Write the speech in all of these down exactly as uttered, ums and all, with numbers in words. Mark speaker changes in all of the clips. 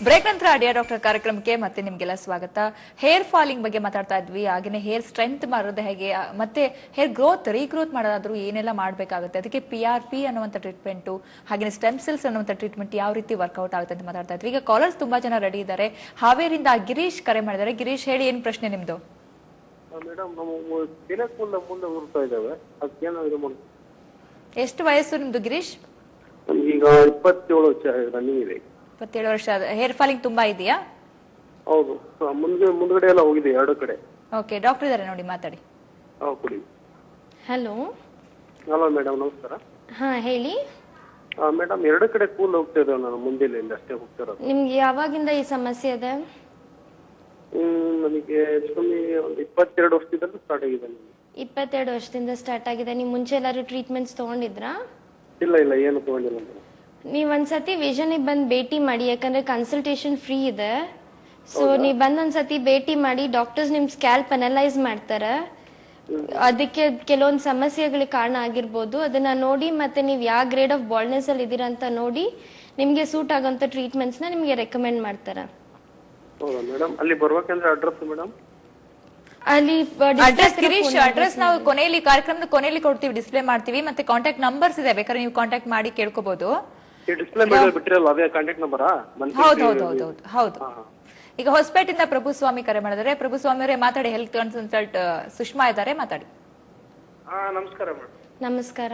Speaker 1: Break ನಂತರ dear doctor ಕಾರ್ಯಕ್ರಮಕ್ಕೆ ಮತ್ತೆ ನಿಮ್ಗೆಲ್ಲ ಸ್ವಾಗತ. ಹೇರ್ ಫಾಲಿಂಗ್ ಬಗ್ಗೆ ಮಾತಾಡ್ತಾ ಇದ್ವಿ. ಹಾಗೇನೆ ಹೇರ್ ಸ್ಟ್ರೆಂತ್ ಮಾಡೋದು ಹೇಗೆ, ಮತ್ತೆ ಹೇರ್ ಗ್ರೋತ್ ರೀಗ್ರೋತ್ ಮಾಡೋದಾದ್ರೂ ಏನೆಲ್ಲ ಮಾಡಬೇಕಾಗುತ್ತೆ, ಅದಕ್ಕೆ ಪಿ ಆರ್ ಪಿ ಅನ್ನುವಂಥ ಟ್ರೀಟ್ಮೆಂಟ್ ಹಾಗೆ ಸ್ಟೆಮ್ ಸೆಲ್ಸ್ ಅನ್ನುವಂಥ ಟ್ರೀಟ್ಮೆಂಟ್ ಯಾವ ರೀತಿ ವರ್ಕೌಟ್ ಆಗುತ್ತೆ ಅಂತ ಮಾತಾಡ್ತಾ ಇದ್ವಿ. ಈಗ ಕಾಲರ್ಸ್ ತುಂಬಾ ಜನ ರೆಡಿ ಇದ್ದಾರೆ. ಹಾವೇರಿಂದ ಗಿರೀಶ್ ಕರೆ ಮಾಡಿದ್ದಾರೆ. ಗಿರೀಶ್ ಹೇಳಿ, ಏನ್ ಪ್ರಶ್ನೆ ನಿಮ್ದು? ಎಷ್ಟು ವಯಸ್ಸು ನಿಮ್ದು ಗಿರೀಶ್?
Speaker 2: ಈಗ ಇಪ್ಪತ್ತೇಳು ವರ್ಷ ರನ್ನಿಂಗ್ ಇದೆ.
Speaker 1: ಇಪ್ಪತ್ತೇಳು ವರ್ಷ. ಹೇರ್ ಫಾಲಿಂಗ್ ತುಂಬಾ ಇದೆಯಾ?
Speaker 2: ಹೌದು, ಮುಂದೆ ಮುಂದ್ಗಡೆ ಎಲ್ಲ ಹೋಗಿದೆ ಎರಡು ಕಡೆ.
Speaker 1: ಓಕೆ, ಡಾಕ್ಟರ್ ಇದಾರೆ ನೋಡಿ, ಮಾತಾಡಿ.
Speaker 3: ಹಲೋ
Speaker 2: ಹಲೋ ಮೇಡಮ್, ನಮಸ್ಕಾರ.
Speaker 3: ಹಾ ಹೇಳಿ
Speaker 2: ಮೇಡಮ್. ಎರಡು ಕಡೆ ಕೂಲ್ ಹೋಗ್ತಾ ಇದ್ದಾವೆ, ನಾನು ಮುಂದೆಲಿಂದ ಅಷ್ಟೇ ಹೋಗ್ತಾ ಇರೋದು.
Speaker 3: ನಿಮ್ಗೆ ಯಾವಾಗಿಂದ ಈ ಸಮಸ್ಯೆ ಇದೆ?
Speaker 2: ಹ್ಮ್ ನನಗೆ ಕಮ್ಮಿ ಒಂದು ಇಪ್ಪತ್ತೆರಡು ವರ್ಷದಿಂದ ಸ್ಟಾರ್ಟ್ ಆಗಿದೆ.
Speaker 3: ಇಪ್ಪತ್ತೆರಡು ವರ್ಷದಿಂದ ಸ್ಟಾರ್ಟ್ ಆಗಿದೆ. ನೀವು ಮುಂಚೆ ಎಲ್ಲಾರು ಟ್ರೀಟ್ಮೆಂಟ್ಸ್ ತಗೊಂಡಿದ್ರಾ?
Speaker 2: ಇಲ್ಲ ಇಲ್ಲ, ಏನು ತಗೊಂಡಿಲ್ಲ ಮೇಡಮ್.
Speaker 3: ನೀವ್ ಒಂದ್ಸತಿ ವಿಷನ್ ಬಂದ್ ಭೇಟಿ ಮಾಡಿ, ಯಾಕಂದ್ರೆ ಕನ್ಸಲ್ಟೇಷನ್ ಫ್ರೀ ಇದೆ. ಸೊ ನೀವ್ ಬಂದ್ ಒಂದ್ಸತಿ ಭೇಟಿ ಮಾಡಿ, ಡಾಕ್ಟರ್ಸ್ ನಿಮ್ ಸ್ಕ್ಯಾಲ್ಪ್ ಅನಲೈಸ್ ಮಾಡ್ತಾರೆ. ಅದಕ್ಕೆ ಕೆಲವೊಂದು ಸಮಸ್ಯೆಗಳಿಗೆ ಕಾರಣ ಆಗಿರ್ಬೋದು. ಅದನ್ನ ನೋಡಿ ಮತ್ತೆ ನೀವ್ ಯಾವ ಗ್ರೇಡ್ ಆಫ್ ಬಾಲ್ಡ್ನೆಸ್ ಅಲ್ಲಿ ಇದೀರಾ ಅಂತ ನೋಡಿ ನಿಮ್ಗೆ ಸೂಟ್ ಆಗೋಂತ ಟ್ರೀಟ್ಮೆಂಟ್ಸ್ ನ ನಿಮ್ಗೆ ರೆಕಮೆಂಡ್ ಮಾಡ್ತಾರೆ.
Speaker 2: ಹೌದಾ ಮೇಡಮ್? ಅಲ್ಲಿ ಬರ್ಬೇಕಂದ್ರೆ ಅಡ್ರೆಸ್ ಮೇಡಮ್?
Speaker 3: ಅಲ್ಲಿ
Speaker 1: ಅಡ್ರೆಸ್ ಗಿರೀಶ್, ಅಡ್ರೆಸ್ ನಾವು ಕೊನೆಯಲ್ಲಿ ಕಾರ್ಯಕ್ರಮದ ಕೊನೆಯಲ್ಲಿ ಕೊಡ್ತೀವಿ, ಡಿಸ್ಪ್ಲೇ ಮಾಡ್ತೀವಿ. ಮತ್ತೆ ಕಾಂಟ್ಯಾಕ್ಟ್ ನಂಬರ್ಸ್ ಇದೆ, ಬೇಕಾದ್ರೆ ನೀವು ಕಾಂಟ್ಯಾಕ್ಟ್ ಮಾಡಿ ಕೇಳ್ಕೋಬಹುದು.
Speaker 2: ಡಿಸ್ಪ್ಲೇ ಮೇಲೆ ಬಿಟ್ಟಿರಲ್ಲ, ಅದೇ ಕಾಂಟ್ಯಾಕ್ಟ್ ನಂಬರಾ?
Speaker 1: ಹೌದು ಹೌದು ಹೌದು ಹೌದು ಹೌದು. ಈಗ ಹೊಸಪೇಟೆಯಿಂದ ಪ್ರಭು ಸ್ವಾಮಿ ಕರೆ ಮಾಡಿದರೆ. ಪ್ರಭು ಸ್ವಾಮಿ ಅವರೇ ಮಾತಾಡಿ. ಹೆಲ್ತ್ ಕನ್ಸಲ್ಟೆಂಟ್ ಸುಷ್ಮಾ ಇದ್ದಾರೆ, ಮಾತಾಡಿ.
Speaker 2: ನಮಸ್ಕಾರ ಮೇಡಮ್.
Speaker 3: ನಮಸ್ಕಾರ.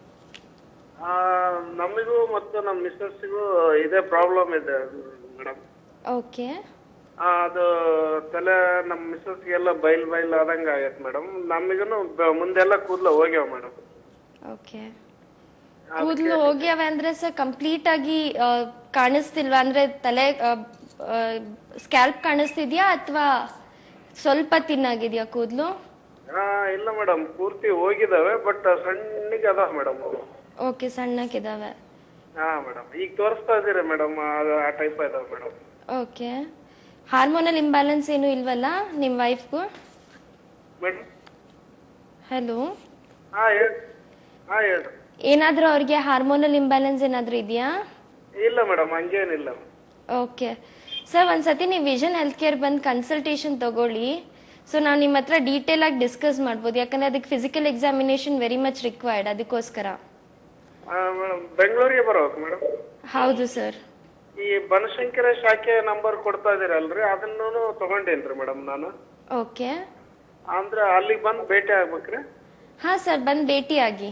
Speaker 2: ನಮಗೂ ಮತ್ತು ನಮ್ಮ ಮಿಸ್ಸಸ್ಗೂ ಇದೇ ಪ್ರಾಬ್ಲಮ್ ಇದೆ ಮೇಡಮ್.
Speaker 3: ಓಕೆ.
Speaker 2: ಅದು ತಲೆ ನಮ್ಮ ಮಿಸ್ಸಸ್ಗೆಲ್ಲ ಬೈಲ್ ಬೈಲ್ ಆದಂಗ ಆಗೈತೆ ಮೇಡಮ್. ನಮಗೂ ಮುಂದೆಲ್ಲ ಕೂದಲು ಹೋಗ್ಯಾವ ಮೇಡಮ್.
Speaker 3: ಓಕೆ. ಕೂದಲು ಹೋಗ್ಯಾವ ಅಂದ್ರೆ ಸರ್ ಕಂಪ್ಲೀಟ್ ಆಗಿ ಕಾಣಿಸ್ತಿಲ್ವಾ? ಅಂದ್ರೆ ತಲೆ ಸ್ಕ್ಯಾಲ್ಪ್ ಕಾಣಿಸ್ತಿದ್ಯಾ ಅಥವಾ ಸ್ವಲ್ಪ ತಿನ್ನಾಗಿದ್ಯಾ ಕೂದಲು?
Speaker 2: ಇಲ್ಲ ಮೇಡಮ್, ಪೂರ್ತಿ ಹೋಗಿದಾವೆ, ಬಟ್ ಸಣ್ಣಗೆ ಅದಾವ ಮೇಡಮ್.
Speaker 3: ಓಕೆ, ಸಣ್ಣಕ್ಕಿದಾವೆ.
Speaker 2: ಹಾ ಮೇಡಮ್, ಈಗ ತೋರಿಸ್ತಾ ಇದೀರಿ ಮೇಡಮ್, ಆ ಟೈಪ್ ಇದಾವೆ ಮೇಡಮ್.
Speaker 3: ಓಕೆ. ಹಾರ್ಮೋನಲ್ ಇಂಬ್ಯಾಲೆನ್ಸ್ ಏನು ಇಲ್ವಲ್ಲ ನಿಮ್ ವೈಫ್ಗೂ?
Speaker 2: Madam
Speaker 3: hello.
Speaker 2: ಹಾ ಹೇಳಿ. ಹಾ ಹೇಳಿ.
Speaker 3: ಏನಾದ್ರೂ ಅವ್ರಿಗೆ ಹಾರ್ಮೋನಲ್ ಇಂಬ್ಯಾಲೆನ್ಸ್ ಏನಾದ್ರೂ ಇದೆಯಾ?
Speaker 2: ಇಲ್ಲ ಮೇಡಮ್, ಹಂಗೇನಿಲ್ಲ.
Speaker 3: ಓಕೆ ಸರ್, ಒಂದ್ಸತಿ ನೀವು ವಿಷನ್ ಹೆಲ್ತ್ ಕೇರ್ ಬಂದು ಕನ್ಸಲ್ಟೇಷನ್ ತಗೊಳ್ಳಿ. ಸೊ ನಾವು ನಿಮ್ಮ ಹತ್ರ ಡೀಟೇಲ್ ಆಗಿ ಡಿಸ್ಕಸ್ ಮಾಡ್ಬೋದು, ಯಾಕಂದ್ರೆ ಅದಕ್ಕೆ physical examination very much required. ಅದಕ್ಕೋಸ್ಕರ
Speaker 2: ಬೆಂಗಳೂರಿಗೆ ಬರ್ಬೇಕು ಮೇಡಮ್?
Speaker 3: ಹೌದು ಸರ್.
Speaker 2: ಈ ಬನಶಂಕರ ಶಾಖೆ ನಂಬರ್ ಕೊಡ್ತಾ ಇದೀರಲ್ರಿ, ಅದನ್ನು ತಗೊಂಡೇನ್ರಿ ಮೇಡಮ್ ನಾನು.
Speaker 3: ಓಕೆ.
Speaker 2: ಅಂದ್ರೆ ಅಲ್ಲಿಗೆ ಬಂದು ಭೇಟಿ ಆಗ್ಬೇಕ್ರಿ?
Speaker 3: ಹಾ ಸರ್, ಬಂದ್ ಭೇಟಿ ಆಗಿ.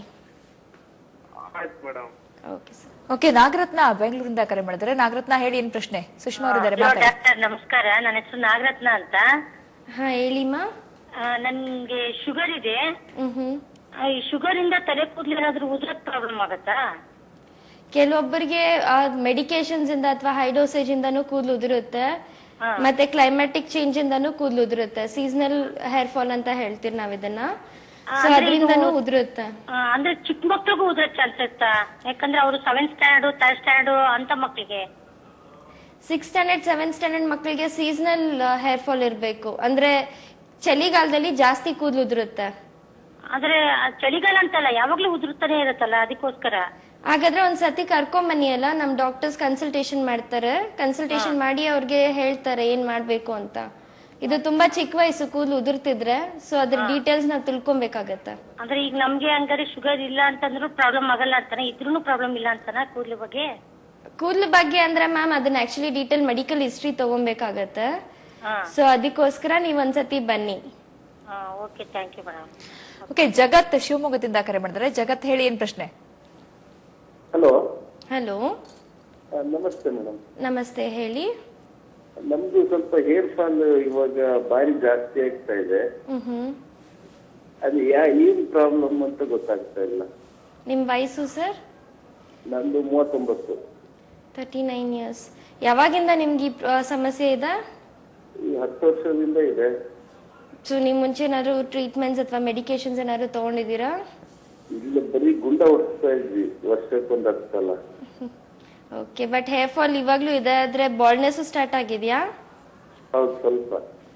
Speaker 2: ಆಯ್ತು madam.
Speaker 3: Okay sir.
Speaker 1: Okay, Nagaratna ಬೆಂಗಳೂರಿಂದ ಕರೆ ಮಾಡಿದ್ರೆ. ನಾಗರತ್ನ ಹೇಳಿ, ಏನ್ ಪ್ರಶ್ನೆ? ಸುಷ್ಮಾ ಅವರಿದ್ದಾರೆ, ಮಾತಾಡಿ.
Speaker 4: ಡಾಕ್ಟರ್ ನಮಸ್ಕಾರ, ನನ್ನ ಹೆಸರು ನಾಗರತ್ನ ಅಂತ.
Speaker 3: ಹಾ ಹೇಳಿಮ್ಮ.
Speaker 4: ನನ್ಗೆ ಶುಗರ್ ಇದೆ.
Speaker 3: ಹ್ಮ್.
Speaker 4: ಈ ಶುಗರ್ ಇಂದ ತಲೆ ಕೂದಲು ಏನಾದ್ರೂ ಉದ್ರಕ್ ಪ್ರಾಬ್ಲಮ್ ಆಗತ್ತಾ?
Speaker 3: ಕೆಲವೊಬ್ಬರಿಗೆ ಮೆಡಿಕೇಶನ್ಸ್ ಇಂದ ಅಥವಾ ಹೈ ಡೋಸೇಜ್ ಇಂದಾನು ಕೂದಲು ಉದುರುತ್ತೆ, ಮತ್ತೆ ಕ್ಲೈಮ್ಯಾಟಿಕ್ ಚೇಂಜ್ ಇಂದಾನು ಕೂದಲು ಉದುರುತ್ತೆ. ಸೀಸನಲ್ ಹೇರ್ ಫಾಲ್ ಅಂತ ಹೇಳ್ತೀವಿ ನಾವ್ ಇದನ್ನ. ಅದರಿಂದನೂ ಉದುರುತ್ತೆ.
Speaker 4: ಅಂದ್ರೆ ಚಿಕ್ಕ ಮಕ್ಳಿಗೂ ಉದುರಕ್ ಚಾನ್ಸ್ ಇರುತ್ತಾ? ಯಾಕಂದ್ರೆ ಅವರು ಸೆವೆಂತ್ ಸ್ಟ್ಯಾಂಡರ್ಡ್ ಥರ್ಡ್ ಸ್ಟ್ಯಾಂಡರ್ಡ್ ಅಂತ ಮಕ್ಳಿಗೆ.
Speaker 3: ಸಿಕ್ಸ್ ಸ್ಟ್ಯಾಂಡರ್ಡ್ ಸೆವೆಂತ್ ಸ್ಟ್ಯಾಂಡರ್ಡ್ ಮಕ್ಳಿಗೆ ಸೀಸನಲ್ ಹೇರ್ ಫಾಲ್ ಇರ್ಬೇಕು. ಅಂದ್ರೆ ಚಳಿಗಾಲದಲ್ಲಿ ಜಾಸ್ತಿ ಕೂದಲು ಉದುರುತ್ತೆ.
Speaker 4: ಆದ್ರೆ ಚಳಿಗಾಲ ಅಂತಲ್ಲ, ಯಾವಾಗ್ಲೂ ಉದುರುತ್ತಾನೆ ಇರುತ್ತಲ್ಲ, ಅದಕ್ಕೋಸ್ಕರ.
Speaker 3: ಹಾಗಾದ್ರೆ ಒಂದ್ಸತಿ ಕರ್ಕೊಂಬನ್ನಿ ಅಲ್ಲ, ನಮ್ ಡಾಕ್ಟರ್ಸ್ ಕನ್ಸಲ್ಟೇಷನ್ ಮಾಡ್ತಾರೆ. ಕನ್ಸಲ್ಟೇಷನ್ ಮಾಡಿ ಅವ್ರಿಗೆ ಹೇಳ್ತಾರೆ ಏನ್ ಮಾಡ್ಬೇಕು ಅಂತ. ಇದು ತುಂಬಾ ಚಿಕ್ಕ ವಯಸ್ಸು ಕೂದಲು ಉದುರ್ತಿದ್ರೆ, ಸೊ ಅದ್ರ ಡೀಟೇಲ್ಸ್ ನಾವ್ ತಿಳ್ಕೊಬೇಕಾಗತ್ತೆ.
Speaker 4: ಅಂದ್ರೆ ಈಗ ನಮ್ಗೆ ಹಂಗಾರೆ ಶುಗರ್ ಇಲ್ಲ ಅಂತಂದ್ರೂ ಪ್ರಾಬ್ಲಮ್ ಆಗಲ್ಲ ಅಂತಾನೆ, ಇದ್ರೂ ಪ್ರಾಬ್ಲಮ್ ಇಲ್ಲ ಅಂತಾನ ಕೂದಲು ಬಗ್ಗೆ?
Speaker 3: ಕೂದಲು ಬಗ್ಗೆ ಅಂದ್ರೆ ಮ್ಯಾಮ್ ಅದನ್ನ ಆಕ್ಚುಲಿ ಡೀಟೇಲ್ ಮೆಡಿಕಲ್ ಹಿಸ್ಟ್ರಿ ತಗೊಬೇಕಾಗತ್ತೆ. ಸೊ ಅದಕ್ಕೋಸ್ಕರ ನೀವ್ ಒಂದ್ಸತಿ ಬನ್ನಿ.
Speaker 4: Okay, thank you madam.
Speaker 1: Okay, Jagat ಶಿವಮೊಗ್ಗದಿಂದ ಕರೆ ಮಾಡಿದ್ರೆ. ಜಗತ್ ಹೇಳಿ, ಏನ್ ಪ್ರಶ್ನೆ?
Speaker 2: ಹಲೋ.
Speaker 3: ಹಲೋ,
Speaker 2: ನಮಸ್ತೆ ಮೇಡಮ್.
Speaker 3: ನಮಸ್ತೆ, ಹೇಳಿ.
Speaker 2: ನಮ್ದು ಸ್ವಲ್ಪ ಹೇರ್ ಫಾಲ್ ಇವಾಗ ಬಾರಿ ಜಾಸ್ತಿ ಆಗ್ತಾ ಇದೆ.
Speaker 3: ಹ್ಮ್.
Speaker 2: ಅದು ಯಾ ಏನ್ ಪ್ರಾಬ್ಲಮ್ ಅಂತ ಗೊತ್ತಾಗ್ತಾ ಇಲ್ಲ.
Speaker 3: ನಿಮ್ ವಯಸ್ಸು ಸರ್?
Speaker 2: ನಂದು ಮೂವತ್ತೊಂಬತ್ತು.
Speaker 3: Thirty nine years. ಯಾವಾಗಿಂದ ನಿಮ್ಗೆ ಈ ಸಮಸ್ಯೆ ಇದೆ?
Speaker 2: ಈ ಹತ್ತು ವರ್ಷದಿಂದ ಇದೆ.
Speaker 3: ಸೊ ನಿಮ್ ಮುಂಚೆ ಏನಾದ್ರು ಟ್ರೀಟ್ಮೆಂಟ್ಸ್ ಅಥವಾ ಮೆಡಿಕೇಶನ್ಸ್ ಏನಾದ್ರು ತಗೊಂಡಿದ್ದೀರಾ?
Speaker 2: ಇಲ್ಲ, ಬರೀ ಗುಂಡ ಹೊಡ್ಸ್ತಾ ಇದ್ವಿ ವರ್ಷಕ್ಕೊಂದ್ ಹತ್ತು ಸಲ.
Speaker 3: ಓಕೆ, ಬಟ್ ಹೇರ್ ಫಾಲ್ ಇವಾಗ್ಲೂ ಇದೆ, ಆದ್ರೆ ಬಾಲ್ಡ್ನೆಸ್ ಸ್ಟಾರ್ಟ್ ಆಗಿದ್ಯಾ?
Speaker 2: ಹೌದು, ಸ್ವಲ್ಪ.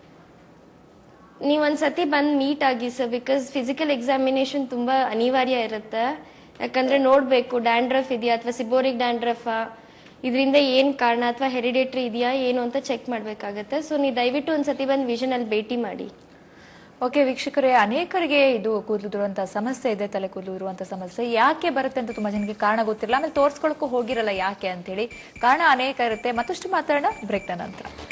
Speaker 3: ನೀವ್ ಒಂದ್ಸತಿ ಬಂದ್ ಮೀಟ್ ಆಗಿ ಸರ್, ಬಿಕಾಸ್ ಫಿಸಿಕಲ್ ಎಕ್ಸಾಮಿನೇಷನ್ ತುಂಬಾ ಅನಿವಾರ್ಯ ಇರುತ್ತೆ. ಯಾಕಂದ್ರೆ ನೋಡ್ಬೇಕು ಡ್ಯಾಂಡ್ರಫ್ ಇದೆಯಾ ಅಥವಾ ಸಿಬೋರಿಕ್ ಡ್ಯಾಂಡ್ರಫ್ ಇದರಿಂದ ಏನ್ ಕಾರಣ ಅಥವಾ ಹೆರಿಡೇಟ್ರಿ ಇದೆಯಾ ಏನು ಅಂತ ಚೆಕ್ ಮಾಡ್ಬೇಕಾಗತ್ತೆ. ಸೊ ನೀವು ದಯವಿಟ್ಟು ಒಂದ್ಸತಿ ಬಂದು ವಿಷನ್ ಅಲ್ಲಿ ಭೇಟಿ ಮಾಡಿ.
Speaker 1: ಓಕೆ ವೀಕ್ಷಕರೇ, ಅನೇಕರಿಗೆ ಇದು ಕೂದಲುದುರುವಂತಹ ಸಮಸ್ಯೆ ಇದೆ, ತಲೆ ಕೂದಲುದುರುವಂತಹ ಸಮಸ್ಯೆ. ಯಾಕೆ ಬರುತ್ತೆ ಅಂತ ತುಂಬಾ ಜನಕ್ಕೆ ಕಾರಣ ಗೊತ್ತಿರಲ್ಲ, ಆಮೇಲೆ ತೋರ್ಸ್ಕೊಳಕ್ಕೂ ಹೋಗಿರಲ್ಲ ಯಾಕೆ ಅಂತ ಹೇಳಿ. ಕಾರಣ ಅನೇಕ ಇರುತ್ತೆ. ಮತ್ತಷ್ಟು ಮಾತಾಡೋಣ ಬ್ರೇಕ್ನ ನಂತರ.